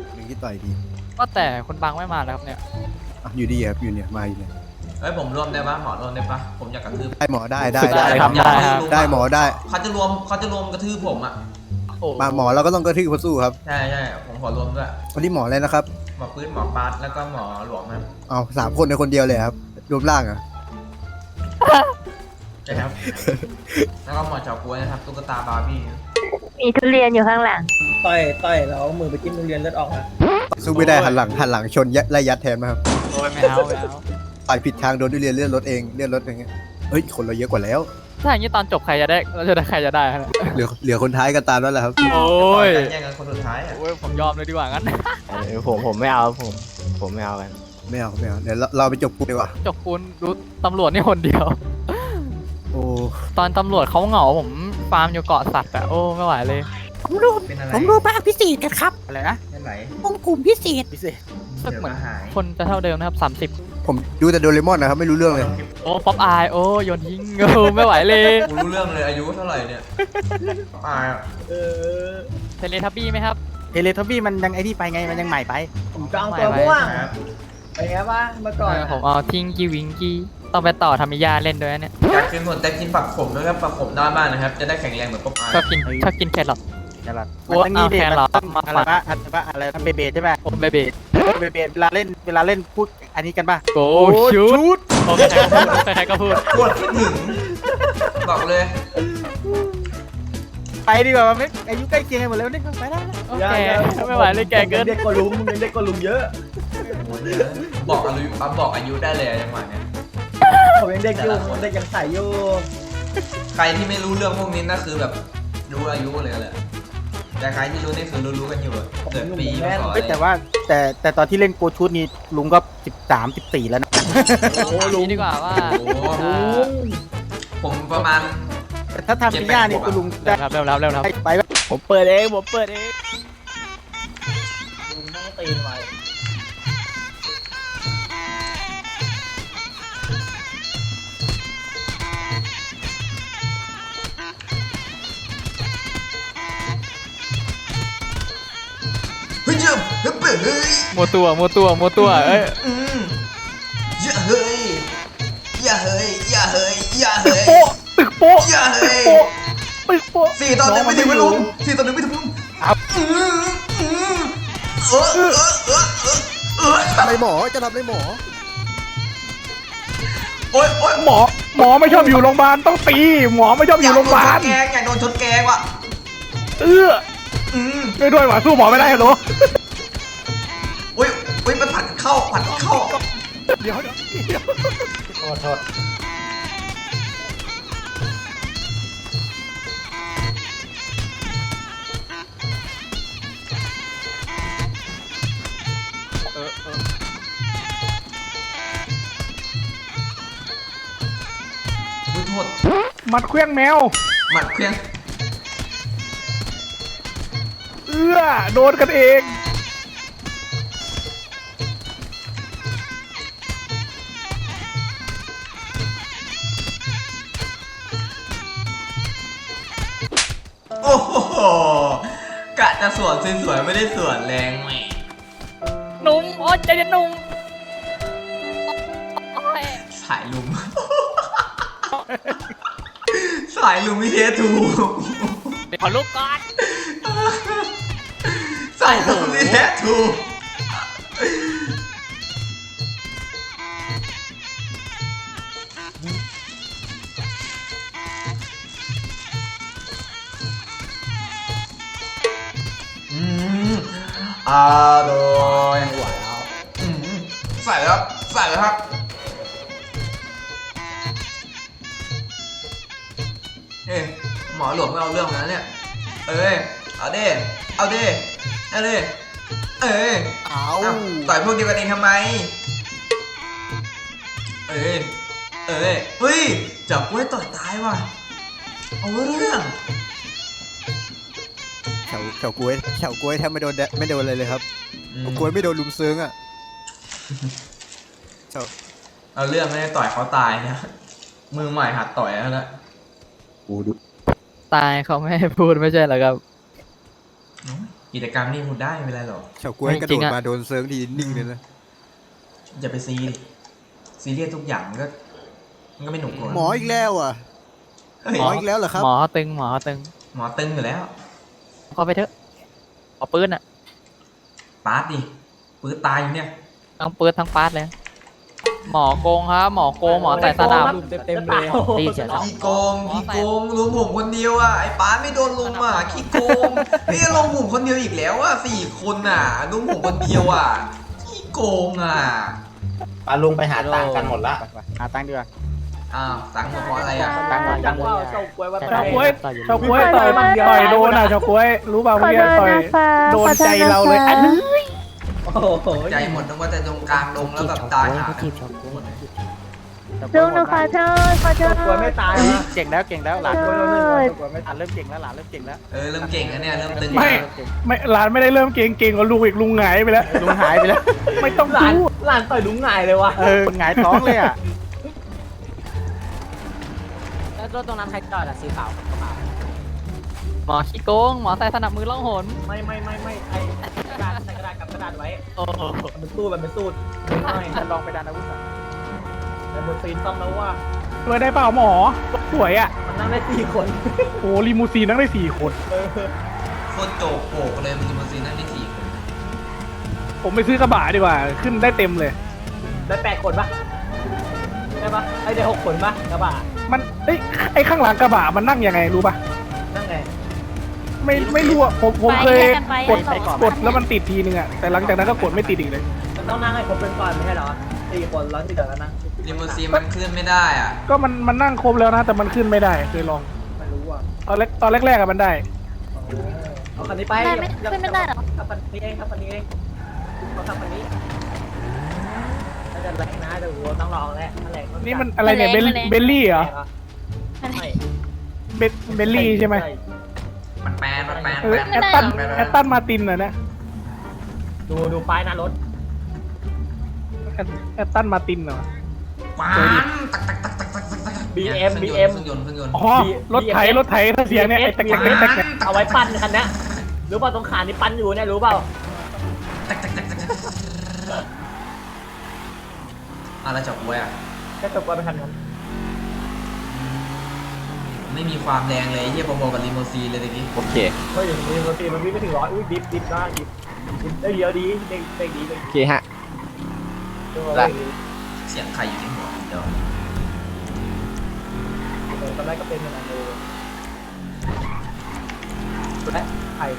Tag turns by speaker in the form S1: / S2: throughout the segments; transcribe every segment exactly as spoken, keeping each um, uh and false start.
S1: หนึ่งที่ต่อยดี
S2: ก็แต่คนบางไม่มาแล้วครับเนี่ย
S1: อยู่ดีครับอยู่เนี่ยมาอยู่เนี่ย
S3: เฮ้ยผมรวมได้ปะหมอรวมได้ปะผมอยากกระทืบ
S1: ได้หมอได้ได้
S2: ได้ครับได้ครับ
S1: ได้หมอได้
S3: เขาจะรวมเขาจะรวมกระทืบผมอ่ะ
S1: มาหมอเราก็ต้องกระทืบเขาสู้ครับ
S3: ใช่ใช่ผมขอรวมด้วย
S1: วันนี้หมออะไรนะครับ
S3: หมอปื้นหมอปาร์ตแล้วก็หมอหลวงครับ
S1: เอาสามคนในคนเดียวเลยครับรวมร่างอ่ะ
S3: ใช่ครับแล้วก็หมอเฉาก๊วยนะครับตุ๊กตาบาร์บี้
S4: มีทุเรียนอยู่ข้างหลัง
S5: ต่อยต่อยแล้วมือไปจิ้มทุเรียนเลือดออกนะ
S1: สู้ไม่ได้หันหลังหันหลังชนไล่ยัดแทนมาครับ
S2: โอ้ยไม่เอาไม่เอา
S1: ต่อยผิดทางโดนทุเรียนเลื่อนรถเองเลื่อนรถอย่างเงี้ยเฮ้ยคนเราเยอะกว่าแล้ว
S2: ถ้าอย่างนี้ตอนจบใครจะได้เราจะได้ใครจะได้ฮะ
S1: เหลือเหลือคนท้ายกันตามแล้วแหละครับ
S2: โอ้ย
S3: แย่งกันคนสุดท้ายอ่ะ
S2: โอ้ยผมยอมเลยดีกว่างั้น
S6: ผมผมไม่เอาผมผมไม่เอากัน
S1: ไม่เอาไม่เอาเดี๋ยวเราเราไปจบปูดีกว่า
S2: จบปูนดูตำรวจนี่คนเดียว
S1: โอ้
S2: ตอนตำรวจเขาเหงาผมฟาร์มอยู่เกาะสัตว์อะโอ้ไม่ไหวเลย
S7: ผมดูผมดูภาคพิเศษกันครับ
S2: อะไรนะ
S3: เป็นไร
S7: วงกลุ่มพิเศษ
S2: พิเศษสึกเหมือนคนจะเท่าเดิมนะครับสามสิบ
S1: ผมดูแต่โดเรมอนนะครับไม่รู้เรื่องเลย
S2: โอ้ป๊อปอายโอ้โยนทิ้งโอ้ไม่ไหวเลย
S3: กูรู้เรื่องเลยอายุเท่าไหร่เนี่ยอาย
S5: เออ
S2: เทเลทับบี้ไหมครับ
S7: เทเลทับบี้มันยังไอ้ที่ไปไงมันยังใหม่ไป
S5: ผมจองตัวม่วงไปไงวะเมื่อก่อน
S2: ผมเอาทิ้งกี้วิงกี้ต้องไปต่อทามิยาเล่นด้วยเนี่ย
S3: อยากกินหมดแต่กินผักขมด้วยครับผักขมได้มากนะครับจะได้แข็งแรงเหมือนป๊อปอาย
S2: ชอบกินชอบกินแครอท
S7: แครอทมันต้องนี่ดิมันต้องอะไรวะอะไรวะอะไรเบเบใช่ไหม
S2: โอ้เบเบ
S7: เบเบเวลาเล่นเวลาเล่นพูดอันนี้กันป่ะ
S2: โอ้ชูดโอ้ใครก็พูด
S3: ปวดคิดถึงบอกเลย
S7: ไปดีกว่าไม่อายุใกล้เคียงกันหมดแล้วนี่ไปได้แล้ว
S2: โอเคไม่ไหวเลยแกเกิน
S5: เด็กกว่าลุงมึงเด็กกว่าลุงเยอะ
S3: บอกอายุบอกอายุได้เลยจังหวะเนี้ย
S5: ผมยังเด็กอยู่เด็กยังใส่อยู่
S3: ใครที่ไม่รู้เรื่องพวกนี้น่าคือแบบรู้อายุเลยแหละแต่ใครที่รู้นี่คือรู้ๆกันอยู่เกิดปีมาก่อน
S7: แต่ว่าแต่แต่ตอนที่เล่นโกชุดนี้ลุงก็สิบสามสิบสี่แล้วนะ
S2: โอ้ลุงดีกว่าว่า
S3: ผมประมาณ
S7: ถ้าทำปีหน้านี่คุณลุงได้
S2: เร็วๆเร็ว
S7: ๆไปผมเปิดเองผมเปิดเอง
S5: ลุงต้องตีนไว้
S3: เฮ้ยเฮ้ยเฮ้ย
S2: โมตัวโมตัวโมตัวเอ้ย
S3: อย่าเฮ้ยอย่าเฮ้ยอย่าเฮ้ยอย่าเฮ้ย
S7: ตึกโป๊ะ
S3: อย่าเฮ้ย
S7: ตึกโป๊ะ
S3: สี่ตอนหนึ่งไม่ถึงไม่ลุงสี่ตอนหนึ่งไม่ถึงลุงเออเออเออเออเออ
S1: ทำไมหมอจะทำอะไรหมอ
S3: โอ๊ยโอ๊ย
S7: หมอหมอไม่ชอบอยู่โรงพยาบาลต้องตีหมอไม่ชอบอยู่โรงพยาบาล
S3: แกงอยากโดนชนแกงว่ะ
S7: เออช่วยด้วยว่ะสู้หมอไม่ได้เหรอ
S3: อุ้ยอุ้ยมันผัดเข้าผัดเข้า
S7: เดี๋ยวเดี๋ยว
S5: โทษโทษ
S2: เออเออ
S3: อุ้ยโทษ
S7: มัดเครื่องแมว
S3: หมัดเครื่อง
S7: เอื้อโดนกันเอง
S3: โอ้โหกะจะสวนสวยๆไม่ได้สวนแรงแหม
S2: นุ่มโอ้ใจเย็นนุ่ม
S3: สายลุมสายลุมวิเททู
S2: ขอลูกก่อน
S3: สายลุมวิเททูอร่อยหวานแล้วใส่แล้วใส่แล้วครับเฮ้หมอหลวงไม่เอาเรื่องนะเนี่ยเอ้ยเอาเด้เอาเด้เอาเด้เอ้ยเอาต่อยพวกเดียวกันเองทำไมเอ้ยเอ้ยเฮ้ยจับกล้วยต่อยตายว่ะเอาเรื่อง
S1: เฉาเฉากล้วยเฉากล้วยแทบไม่โดนไม่โดนเลยเลยครับกล้วยไม่โดนลุมซึ้งอ่ะเฉา
S3: เอาเรื่องไม่ได้ต่อยเขาตายนะมือใหม่หัดต่อยแล้วนะ
S1: โอ้ดู
S2: ตายเขาไม่ให้พูดไม่ใช่เหรอครับ
S3: กิจกรรมนี่คุณได้ไม่เป็นไรหรอก
S1: เฉาก๊วยกระโดดมาโดนเซิร์ฟทีนิ่งเลยนะ
S3: อย่าไปซีดิซีเรียสทุกอย่างมันก็มันก็ไม่หนุกกว่า
S1: หมออีกแล้วอ่ะ
S3: เฮ้ย
S1: หมออีกแล้วเหรอครับ
S2: หมอเขาตึงหมอเขาตึง
S3: หมอตึงอยู่แล้ว
S2: เข้าไปเถอะเอาปืนอ่ะ
S3: ปาดดิปืนตายอยู่เนี่ย
S2: ทั้งปืนทั้งปาดเลย หมอโกงครับหมอโกงหมอใส่สนับ
S5: เต็มๆเลย
S2: ตีเฉย
S3: ขี้โกงขี้โกงลุมผมคนเดียวอ่ะไอ้ปาดไม่โดนลุมอ่ะขี้โกงนี่ลงผมคนเดียวอีกแล้วอ่ะสี่คนอ่ะลุมผมคนเดียวอ่ะขี้โกงอ่ะ
S8: ปาลุงไปหาตังค์กันหมดละ
S7: หาตังค์ดีกว่า
S3: อ้าวตังค์เพราะอะไรอ่ะ
S7: ตังค์หมดตังค์หมด
S5: เจ้ากล้วยว่า
S7: เฉาก๊วยเฉาก๊วยต่อยต่อยโดนอ่ะเฉาก๊วยรู้เปล่า
S4: ขอ
S7: เมื่อ
S4: โท
S7: กี้
S4: ษ
S7: ต่อย
S4: นะคะ
S7: โดนใจเราเลยอันนี้
S5: โอ้โห
S3: ใจหมดนึกว่าจะตรงกลางดงแล้วแบบตายหา
S4: ลุงหนูขอโทษขอโทษ
S5: กล้วยไม่ตายนะ
S7: เก่งแล้วเก่งแล้วหลาน
S5: กล้วยเราหนึ่งกล้วยไม่
S7: หลานเริ่มเก่งแล้วหลานเริ่มเก่งแล้ว
S3: เออเริ่มเก่งแล้วเนี่ยเริ่มตึง
S9: ไม่ ไม่หลานไม่ได้เริ่มเก่งเก่งกว่าลุงอีกลุงหงายไปแล้ว
S7: ลุงหายไปแล้ว
S9: ไม่ต้อง
S5: หลาน
S9: พูด
S5: หลานต่อยลุงหงายเลยวะ
S7: เออหงายท้องเลยอ่ะ
S5: แล้วรถตรงนั้นใครจอดอะสีขาว
S2: หมอขี้โกงหมอใส่สนับมือล่องหน
S5: ไม่ไม่ไม่ไม่ไอ้กระดาษใส่กระดาษกับกระดาษไว้
S2: โอ้โห
S5: มันเป็นตู้มันเป็นตู้ไม่
S7: จะลองไปดันอาวุธก่อน
S5: แต่บนซีนต้องแล้วว่า
S9: ช่วยได้เปล่าหมอสวยอ่ะ
S5: มันนั่งได้สี่คน
S9: โอ้ลิมูซีนนั่งได้สี่คน
S5: เออ
S3: โคตรโจกโปกเลยมันจะมาซีนั่นได้สี่คน
S9: ผมไปซื้อกระบะดีกว่า ขึ้นได้เต็มเลย
S5: ได้แปดคนปะได้ปะไอ้ได้หกคนปะกระบะ
S9: มันเอ้ยไอ้ข้างหลังกระบะมันนั่งยังไงรู้ป่ะ
S5: นั่งไง
S9: ไม่ไม่รู้อ่ะผมผมเคย
S4: ไปกันไป
S9: กด
S4: ไปก่อน
S9: กดแล้วมันติดทีนึงอ่ะแต่หลังจากนั้นก็กดไม่ติดอีกเลย
S5: มันต้องนั่งให้ครบเป็นก่อนไม่ใช่เหรอสี่คนแล้วที่เหลือก็นั่ง
S3: ลิมูซีนมันเคลื่อนไม่ได้อ่ะ
S9: ก็มันมันนั่งครบแล้วนะแต่มันขึ้นไม่ได้เคยลอง
S5: ไม่รู้อ่ะ
S9: ตอนแรกตอนแรกๆอะมันได้
S5: เอาคันนี้ไป
S4: ได้ไหมขึ้นไม่ได้เหรอ
S5: ขับคันนี้เองขับคันนี้เองเขาขับคันนี้น่าจะแรงนะแต่หัวต้องลองแล้วแรง
S9: นี่มันอะไรเนี่ยเบลเบลลี่เหรอ
S5: ไม่
S9: เบลเบลลี่ใช่ไหม
S3: มันแปลนมันแปลน
S9: เออ
S3: แปลน
S9: แอตตันแอตตันมาตินเหรอนะ
S5: ดูดูป้ายหน้ารถ
S9: แอตแอตตันมาตินเหรอ
S3: ปานตักตักตักตักตักตักตัก
S5: บี
S3: นี่ย
S5: เอ็ม
S3: เค
S5: บี
S3: รื่
S5: เอ็
S3: อง
S5: ม
S3: ยนต์เครื่องยนต์เครื่องยนต์
S9: อ๋อรถไถรถไถถ้าเสียงเนี่ยไอ้แตกแตกแตกแตกแตก
S5: เอาไว้ปั้นคันนี้รู้เปล่าตรงขานี่ปั้นอยู่เนี่ยรู้เปล่า
S3: ตักตักตักตักตักอะไรจับไว้อ่ะ
S5: แค่ตกไปเป็นคันนั้น
S3: ไม่มีความแรงเลยเฮียพอๆกับลิมูซีนเลยตะกี้
S6: โอเค
S5: เฮ้ยมีบางทีมันวิ่งไม่ถึงร้อยอุ้ยดิฟดิฟได้ดิฟดิฟได้เยอะดีเด้งเด้งดีเด้ง
S6: โอเคฮะ
S5: ดี
S3: เสียงใครอยู่ที่หัวเดี๋ยว
S5: ตอนแรกก็เป็นเหมือนกันดูและใคร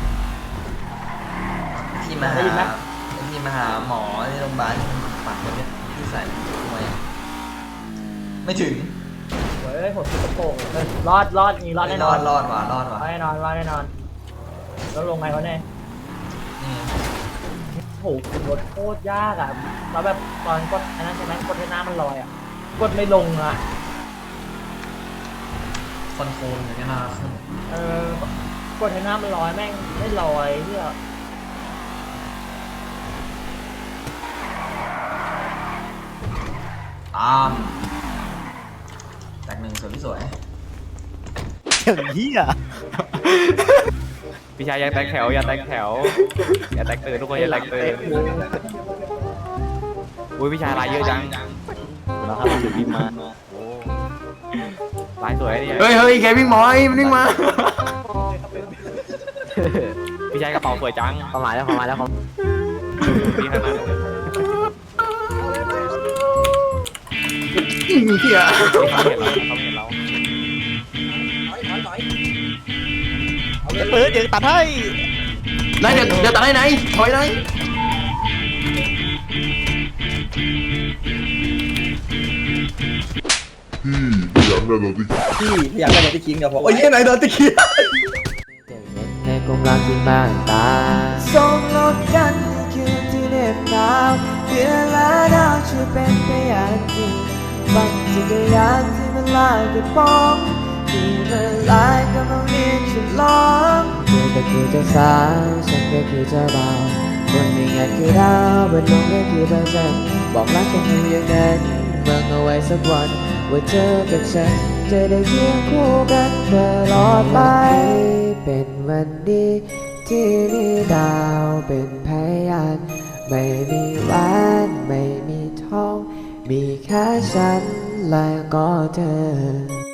S3: ที่มา
S5: ได้ยินไหม
S3: หาที่มาหาหมอที่โรงพยาบาลปากคนเนี้ยที่ใส่ทำไมไม่ถึง
S5: เฮ้ยผมสุดโป่งรอดรอดนี่รอดแน่น
S3: ร
S5: อ
S3: อน ดรอดว่ะรอด
S5: รอ
S3: ว่ะ
S5: ดแน่นอนรอดแน่นอนแล้วลงไงวะเนี่ย
S3: นี่
S5: โหกดโคตรยากอ่ะแล้วแบบตอนกดอันนั้นใช่ไหมกดให้หน้ามันลอยอ่ะกดไม่ลงอ่ะ
S3: คอนโทรลอย่างเงี้ยนะ
S5: เออกดให้หน้ามันลอยแม่งไม่ลอยเที่ย
S3: ตามแตกหนึ่งสวยพี่สวย
S1: อย่างนี้อ่ะ
S6: พี่ชายอย่าแตกแถวอย่าแตกแถวอย่าแตกตื่นทุกคนอย่าแตกตื่นอุ้ยพี่ชายลายเยอะจังนะครับถือบินมาโอ้ลายสวยเนี่ย
S8: เฮ้ยเฮ้ยแกวิ่งหมอยมันวิ่งมา
S6: พี่ชายกระเป๋าสวยจังประมาณแล้วประมาณแล้วครับพี่ขนาดนั้น
S8: เหี้ย
S6: เขาเห็นเราเขาเห็นเรา
S1: เปิดเดี๋ยวตัดให้
S8: ไหนเดี๋ยวเดี๋ยวตัดให้ไหนถอยไหน
S10: พี่อยากได้รถที่
S8: พี่อยากได้รถที่คิงกับผมโอ้ยไหนรถที่คิง
S11: ในกรงรักที่บ้านตาส่งลบกันคืนที่เหน็บหนาวเพื่อและดาวช่วยเป็นไปอย่างจริงบังจักรยานที่มันลายกระป๋องที่มันลายกำลังเรียนฉลองเธอก็คือเจ้าสาวฉันก็คือเจ้าบ่าวคนหนึ่งอยากคือดาวบนโลกก็คือพระจันทร์บอกรักกันอยู่อย่างนั้นเมื่อเอาไว้สักวันว่าเธอกับฉันจะได้เคียงคู่กันตลอดไปเป็นวันดีที่นี่ดาวเป็นพยานไม่มีแหวนไม่มีทองมีแค่ฉันและก็เธอ